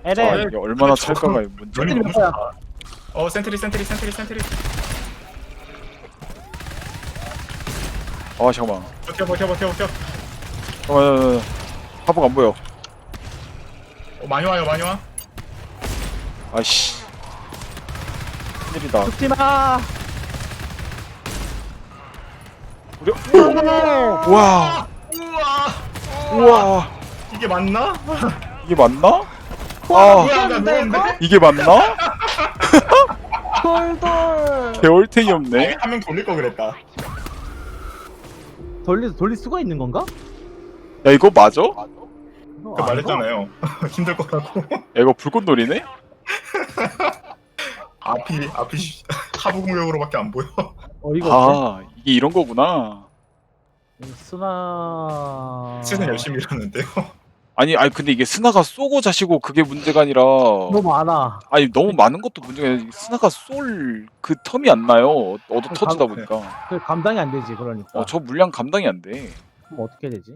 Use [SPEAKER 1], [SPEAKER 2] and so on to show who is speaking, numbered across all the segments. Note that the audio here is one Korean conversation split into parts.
[SPEAKER 1] LM.
[SPEAKER 2] 이게 얼마나 찰까가 문제.
[SPEAKER 1] 센트리 몇 거야?
[SPEAKER 3] 센트리.
[SPEAKER 2] 아 잠깐만.
[SPEAKER 3] 버텨.
[SPEAKER 2] 잠깐만. 화복 안 보여.
[SPEAKER 3] 많이 와.
[SPEAKER 2] 아씨. 큰일이다.
[SPEAKER 1] 죽지 마.
[SPEAKER 2] 우리. 와. 우와.
[SPEAKER 3] 이게 맞나?
[SPEAKER 2] 이게 맞나?
[SPEAKER 3] 뭐야, 나 누웠는데?
[SPEAKER 2] 이게 맞나?
[SPEAKER 1] 돌돌.
[SPEAKER 2] 개월탱이 없네.
[SPEAKER 3] 한 명 돌릴 거 그랬다.
[SPEAKER 1] 돌릴 수가 있는 건가?
[SPEAKER 2] 야 이거 맞아?
[SPEAKER 3] 그 말했잖아요. 힘들 거라고.
[SPEAKER 2] 야 이거 불꽃놀이네?
[SPEAKER 3] 앞이 하부 공격으로밖에 안 보여.
[SPEAKER 1] 어이가 없네.
[SPEAKER 2] 아 이게 이런 거구나.
[SPEAKER 1] 스나.
[SPEAKER 3] 시즌 열심히 일하는데요.
[SPEAKER 2] 아니 근데 이게 스나가 쏘고 자시고 그게 문제가 아니라
[SPEAKER 1] 너무 많아.
[SPEAKER 2] 아니 너무 많은 것도 문제가 아니라 스나가 쏠 그 텀이 안 나요. 얻어 터지다 보니까.
[SPEAKER 1] 그 감당이 안 되지 그러니까.
[SPEAKER 2] 저 물량 감당이 안 돼.
[SPEAKER 1] 그럼 어떻게 되지?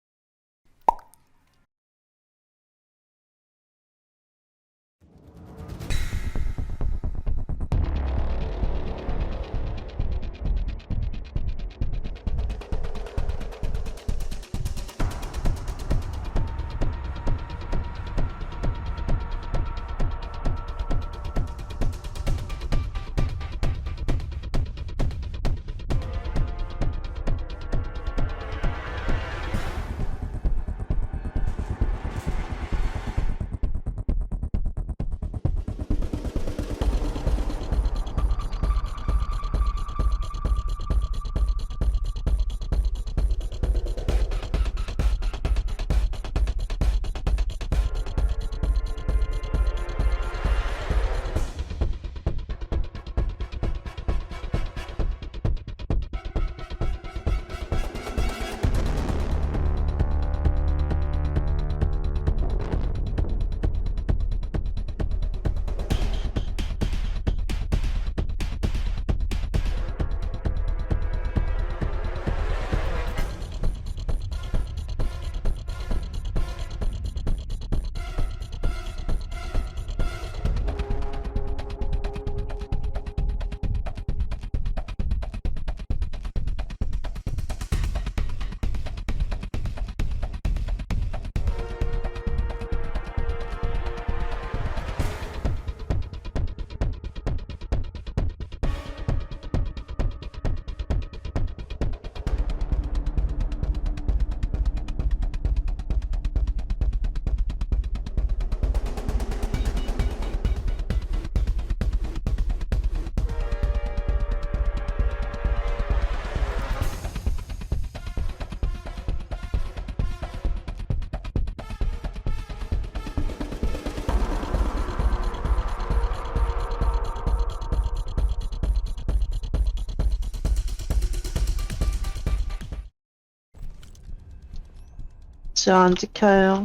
[SPEAKER 4] 진짜 안 지켜요.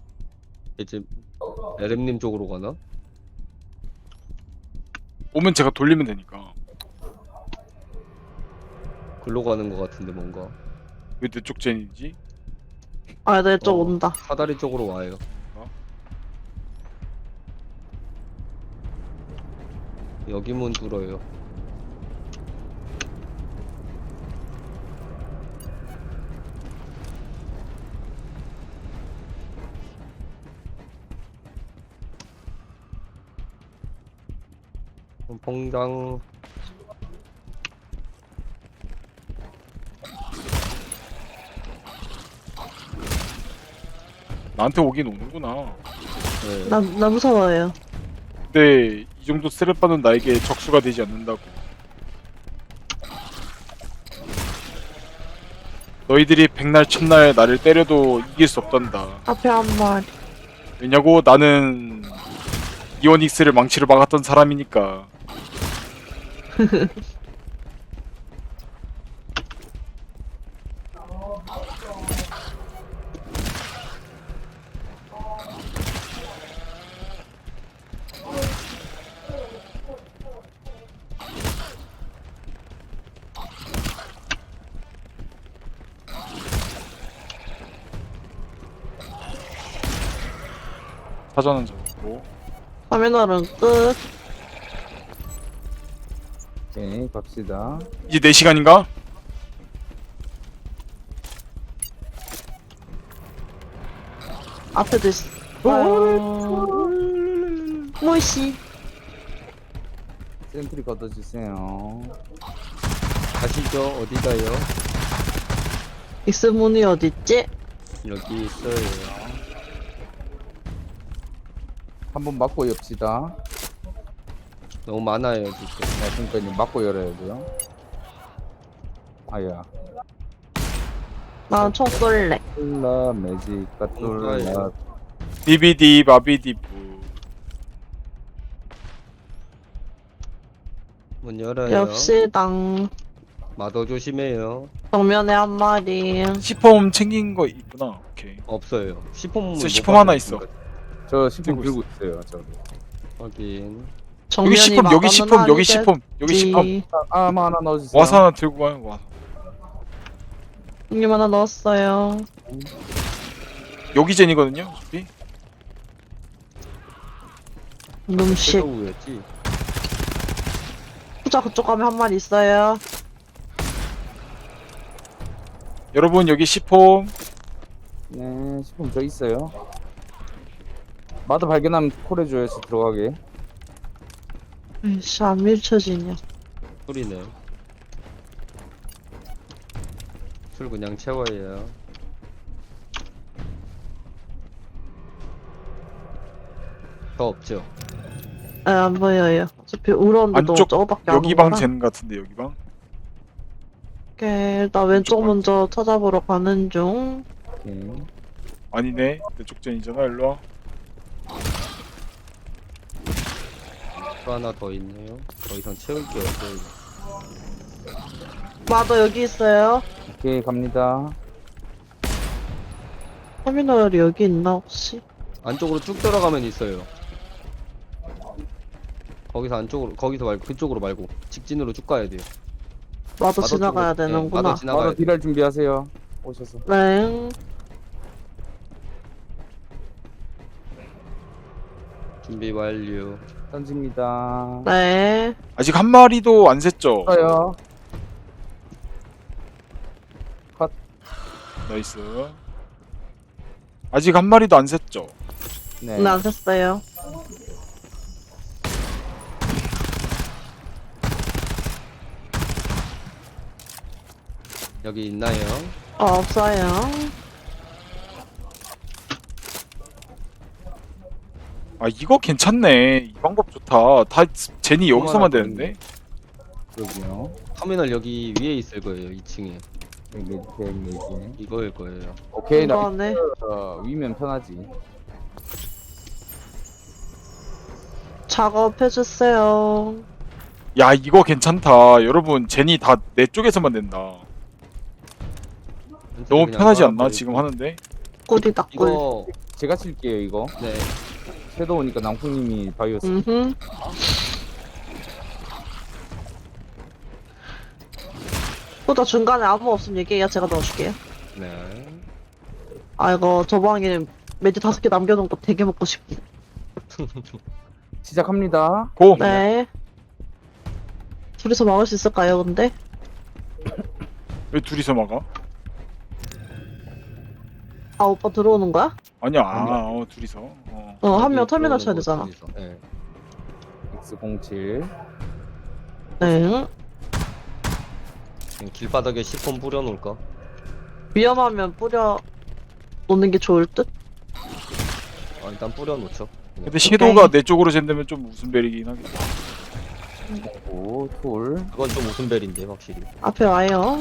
[SPEAKER 5] 이제 LM님 쪽으로 가나?
[SPEAKER 2] 오면 제가 돌리면 되니까.
[SPEAKER 5] 글로 가는 것 같은데 뭔가
[SPEAKER 2] 왜 내 쪽 젠이지?
[SPEAKER 4] 아, 내 쪽 온다.
[SPEAKER 5] 사다리 쪽으로 와요. 여기 문 뚫어요. 퐁당.
[SPEAKER 2] 나한테 오긴 오는구나.
[SPEAKER 5] 네.
[SPEAKER 4] 나 무서워요.
[SPEAKER 2] 근데 이 정도 스트레스받는 나에게 적수가 되지 않는다고. 너희들이 백날 첫날 나를 때려도 이길 수 없단다.
[SPEAKER 4] 앞에 한 마리.
[SPEAKER 2] 왜냐고? 나는 이오닉스를 망치로 막았던 사람이니까. 사전은 저 뭐
[SPEAKER 4] 터미널은 끝.
[SPEAKER 6] 오케이, 갑시다.
[SPEAKER 2] 이제 4시간인가?
[SPEAKER 4] 앞에도 있어. 뭐시?
[SPEAKER 6] 센트리 걷어주세요.
[SPEAKER 5] 가시죠. 어디 가요?
[SPEAKER 4] 익스문이 어딨지?
[SPEAKER 5] 여기 있어요.
[SPEAKER 6] 한번 막고 엽시다.
[SPEAKER 5] 너무 많아요 지금.
[SPEAKER 6] 그러니까 이제 막고 열어야 돼요. 아야.
[SPEAKER 4] 난 총 쏠래.
[SPEAKER 6] 뚫라 매직가 뚫라.
[SPEAKER 5] 뭔가요?
[SPEAKER 2] 디비디 바비디부.
[SPEAKER 5] 문 열어요.
[SPEAKER 4] 엽시당.
[SPEAKER 5] 마더 조심해요.
[SPEAKER 4] 정면에 한 마리.
[SPEAKER 2] 시폼 챙긴 거 있구나. 오케이.
[SPEAKER 5] 없어요. 시폼.
[SPEAKER 2] 있어, 시폼 하나 있어.
[SPEAKER 6] 저 시품
[SPEAKER 2] 들고
[SPEAKER 6] 들고 있어요. 저.
[SPEAKER 5] 확인.
[SPEAKER 2] 여기 시폼, 여기 시폼, 여기 시폼, 여기 시폼.
[SPEAKER 6] 아마 하나 넣어주세요.
[SPEAKER 2] 와서 하나 들고 가요. 와서.
[SPEAKER 4] 형님 하나 넣었어요.
[SPEAKER 2] 여기 젠이거든요. 어차피.
[SPEAKER 4] 놈식.
[SPEAKER 5] 섀도우였지.
[SPEAKER 4] 후자 그쪽 가면 한 마리 있어요.
[SPEAKER 2] 여러분 여기 시폼.
[SPEAKER 6] 네, 시품 저 있어요. 마드 발견하면 콜해줘요. 저 들어가게.
[SPEAKER 4] 에이씨 안 밀쳐지냐.
[SPEAKER 5] 소리네. 술 그냥 채워요. 더 없죠?
[SPEAKER 4] 에, 안 보여요. 어차피 울었는데
[SPEAKER 2] 안쪽,
[SPEAKER 4] 저거밖에 안
[SPEAKER 2] 여기 방
[SPEAKER 4] 오거라.
[SPEAKER 2] 젠 같은데 여기 방.
[SPEAKER 4] 오케이, 일단 왼쪽
[SPEAKER 2] 방.
[SPEAKER 4] 먼저 찾아보러 가는 중.
[SPEAKER 6] 오케이.
[SPEAKER 2] 아니네. 내쪽 젠이잖아. 일로 와.
[SPEAKER 5] 또 하나 더 있네요. 더 이상 채울 게 없어요.
[SPEAKER 4] 마더 여기 있어요.
[SPEAKER 6] 오케이, 갑니다.
[SPEAKER 4] 터미널이 여기 있나 혹시?
[SPEAKER 5] 안쪽으로 쭉 들어가면 있어요. 거기서 안쪽으로, 거기서 말고 그쪽으로 말고 직진으로 쭉 가야 돼요.
[SPEAKER 4] 마더
[SPEAKER 5] 마더
[SPEAKER 4] 지나가야
[SPEAKER 5] 쪽으로, 네,
[SPEAKER 4] 되는구나.
[SPEAKER 5] 마더 지나가야
[SPEAKER 6] 바로
[SPEAKER 5] 돼.
[SPEAKER 6] 딜할 준비하세요. 오셔서.
[SPEAKER 4] 네.
[SPEAKER 5] 준비 완료.
[SPEAKER 6] 던집니다.
[SPEAKER 4] 네.
[SPEAKER 2] 아직 한 마리도 안 샜죠.
[SPEAKER 6] 써요.
[SPEAKER 2] 나이스. 아직 한 마리도 안 샜죠.
[SPEAKER 6] 네.
[SPEAKER 4] 네, 안 샜어요.
[SPEAKER 5] 여기 있나요?
[SPEAKER 4] 없어요.
[SPEAKER 2] 아 이거 괜찮네. 이 방법 좋다. 다 젠이 여기서만
[SPEAKER 5] 하나
[SPEAKER 2] 되는데.
[SPEAKER 6] 여기요.
[SPEAKER 5] 터미널 여기 위에 있을 거예요. 2층에.
[SPEAKER 6] 네.
[SPEAKER 5] 이거일 거예요.
[SPEAKER 6] 오케이, 나
[SPEAKER 4] 이거네.
[SPEAKER 6] 위면 편하지.
[SPEAKER 4] 작업해주세요.
[SPEAKER 2] 야 이거 괜찮다. 여러분 젠이 다 내 쪽에서만 된다. 너무
[SPEAKER 5] 그냥
[SPEAKER 2] 편하지 않나?
[SPEAKER 5] 깔아버리고.
[SPEAKER 2] 지금 하는데.
[SPEAKER 4] 꿀이다, 꿀.
[SPEAKER 5] 이거
[SPEAKER 6] 제가 칠게요, 이거.
[SPEAKER 5] 네.
[SPEAKER 6] 섀도우니까 낭풍님이 바이오스.
[SPEAKER 4] 음흠. 후자 중간에 아무 없으면 얘기해요. 제가 넣어줄게요.
[SPEAKER 5] 네.
[SPEAKER 4] 아, 이거 저 방에 매주 5개 남겨놓은 거 되게 먹고 싶네.
[SPEAKER 6] 시작합니다.
[SPEAKER 2] 고.
[SPEAKER 4] 네. 둘이서 막을 수 있을까요, 근데?
[SPEAKER 2] 왜 둘이서 막아?
[SPEAKER 4] 아, 오빠 들어오는 거야?
[SPEAKER 2] 아니야.
[SPEAKER 6] 아니야.
[SPEAKER 2] 둘이서.
[SPEAKER 4] 한 명
[SPEAKER 5] 여기
[SPEAKER 4] 터미널
[SPEAKER 5] 들어오는
[SPEAKER 4] 쳐야
[SPEAKER 5] 거
[SPEAKER 4] 되잖아.
[SPEAKER 5] 둘이서. 네.
[SPEAKER 6] X07.
[SPEAKER 4] 네.
[SPEAKER 5] 그냥 길바닥에 시폰 뿌려놓을까?
[SPEAKER 4] 위험하면 뿌려 놓는 게 좋을 듯?
[SPEAKER 5] 일단 뿌려놓죠.
[SPEAKER 2] 근데 섀도우가 내 쪽으로 잰다면 좀 웃음벨이긴 하겠다.
[SPEAKER 6] 오, 툴.
[SPEAKER 5] 그건 좀 웃음벨인데 확실히.
[SPEAKER 4] 앞에 와요.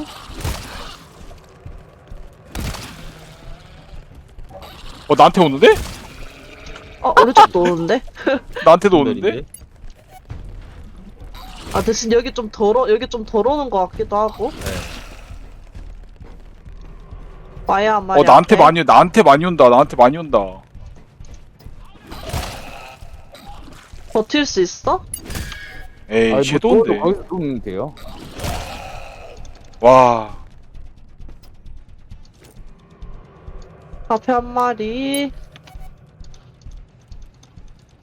[SPEAKER 2] 나한테 오는데?
[SPEAKER 4] 오른쪽도 오는데?
[SPEAKER 2] 나한테도 오는데?
[SPEAKER 5] 웃음벨인데?
[SPEAKER 4] 아, 대신 여기 좀 더러우는 것 같기도 하고.
[SPEAKER 5] 네.
[SPEAKER 4] 와야 한 마리.
[SPEAKER 2] 나한테
[SPEAKER 4] 앞에.
[SPEAKER 2] 나한테 많이 온다. 나한테 많이 온다.
[SPEAKER 4] 버틸 수 있어?
[SPEAKER 2] 에이
[SPEAKER 6] 뭐
[SPEAKER 2] 섀도우인데.
[SPEAKER 6] 거기서 누우면 돼요.
[SPEAKER 2] 와.
[SPEAKER 4] 앞에 한 마리.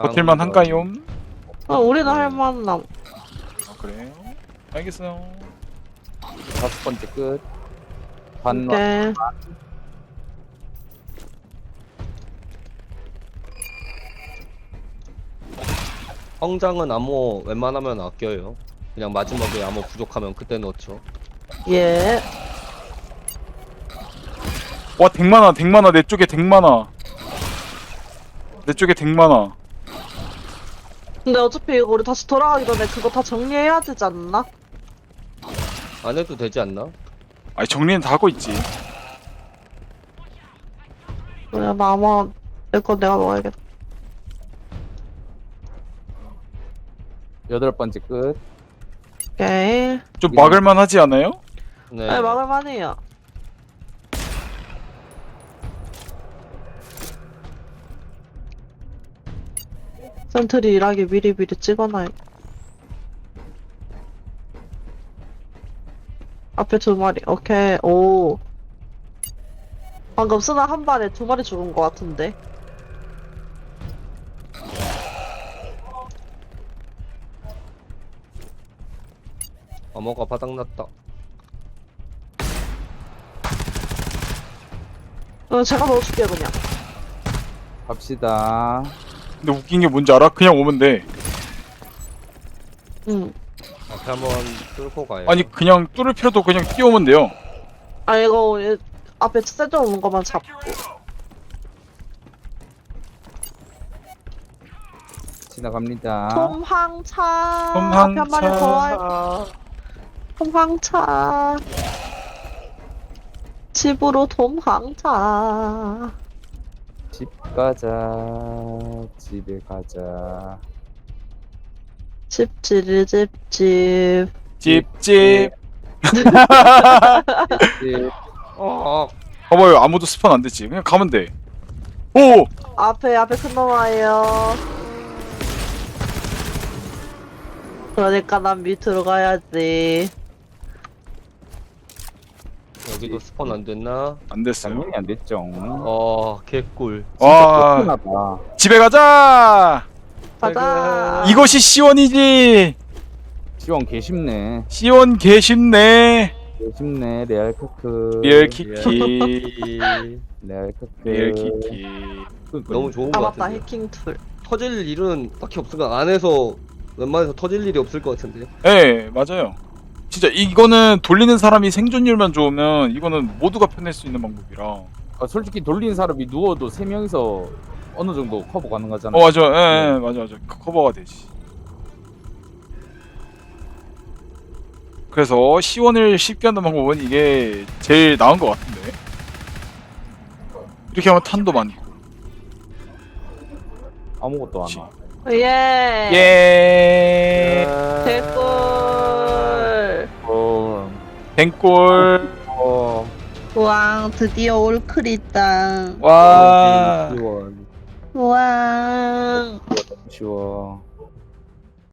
[SPEAKER 2] 버틸만 한가요?
[SPEAKER 4] 우리는 할만함.
[SPEAKER 2] 아, 그래요? 알겠어요.
[SPEAKER 6] 5번째 끝. 반
[SPEAKER 4] 오케이.
[SPEAKER 5] 성장은 암호 웬만하면 아껴요. 그냥 마지막에 암호 부족하면 그때 넣죠.
[SPEAKER 4] 예.
[SPEAKER 2] 와, 덱 많아, 덱 많아. 내 쪽에 덱 많아. 내 쪽에 덱 많아.
[SPEAKER 4] 근데 어차피 이거 우리 다시 돌아가기 전에 그거 다 정리해야 되지 않나?
[SPEAKER 5] 안 해도 되지 않나?
[SPEAKER 2] 아니, 정리는 다 하고 있지.
[SPEAKER 4] 그래, 나 아마 내거 내가 먹어야겠다.
[SPEAKER 6] 8번째 끝.
[SPEAKER 4] 오케이.
[SPEAKER 2] 좀 막을만 하지 않아요?
[SPEAKER 5] 네.
[SPEAKER 4] 네, 먹을만해요. 센트리 일하기 미리미리 찍어놔요. 앞에 2마리. 오케이. 오. 방금 쓰나 한 발에 2마리 죽은 것 같은데.
[SPEAKER 5] 암호가 바닥났다.
[SPEAKER 4] 제가 넣어줄게요, 그냥.
[SPEAKER 6] 갑시다.
[SPEAKER 2] 근데 웃긴 게 뭔지 알아? 그냥 오면 돼.
[SPEAKER 4] 응.
[SPEAKER 5] 앞에 한번 뚫고 가요.
[SPEAKER 2] 아니, 그냥 뚫을 필요도 그냥 뛰어오면 돼요.
[SPEAKER 4] 아, 이거 앞에 세져 오는 것만 잡고.
[SPEAKER 6] 지나갑니다.
[SPEAKER 4] 톰황차.
[SPEAKER 2] 톰황차.
[SPEAKER 4] 앞에 한 마리 더 와요. 톰황차. 집으로 톰황차.
[SPEAKER 6] 집 가자. 집에 가자.
[SPEAKER 4] 집지리 집집.
[SPEAKER 2] 찝찝.
[SPEAKER 6] 집.
[SPEAKER 2] 봐봐요, 아무도 스폰 안 됐지. 그냥 가면 돼. 오!
[SPEAKER 4] 앞에 큰 놈 와요. 그러니까 난 밑으로 가야지.
[SPEAKER 5] 여기도 스폰 안 됐나?
[SPEAKER 2] 안 됐어요.
[SPEAKER 6] 당연히 안 됐죠.
[SPEAKER 5] 개꿀.
[SPEAKER 2] 와,
[SPEAKER 6] 하나다.
[SPEAKER 2] 집에 가자!
[SPEAKER 4] 가자.
[SPEAKER 2] 이것이 시원이지!
[SPEAKER 6] 지원 개쉽네.
[SPEAKER 2] 시원 개쉽네.
[SPEAKER 6] 개쉽네. 레알 크크.
[SPEAKER 2] 리얼 키키.
[SPEAKER 6] 레알 크크.
[SPEAKER 2] 리얼 키키.
[SPEAKER 5] 너무 좋은
[SPEAKER 4] 아
[SPEAKER 5] 것
[SPEAKER 4] 맞다,
[SPEAKER 5] 같은데.
[SPEAKER 4] 해킹 툴.
[SPEAKER 5] 터질 일은 딱히 없을까? 안에서 웬만해서 터질 일이 없을 것 같은데.
[SPEAKER 2] 예, 맞아요. 진짜 이거는 돌리는 사람이 생존율만 좋으면 이거는 모두가 편할 수 있는 방법이라.
[SPEAKER 6] 솔직히 돌리는 사람이 누워도 3명이서 어느 정도 커버 가능하잖아.
[SPEAKER 2] 맞아. 예, 맞아. 커버가 되지. 그래서 시원을 쉽게 하는 방법은 이게 제일 나은 것 같은데. 이렇게 하면 탄도 많고.
[SPEAKER 6] 아무것도 안 와.
[SPEAKER 4] 예.
[SPEAKER 2] 예.
[SPEAKER 4] 개꿀.
[SPEAKER 2] 뱅골.
[SPEAKER 4] 우왕, 드디어 올클이다.
[SPEAKER 2] 와.
[SPEAKER 5] 지원.
[SPEAKER 4] 우왕.
[SPEAKER 6] 쉬워.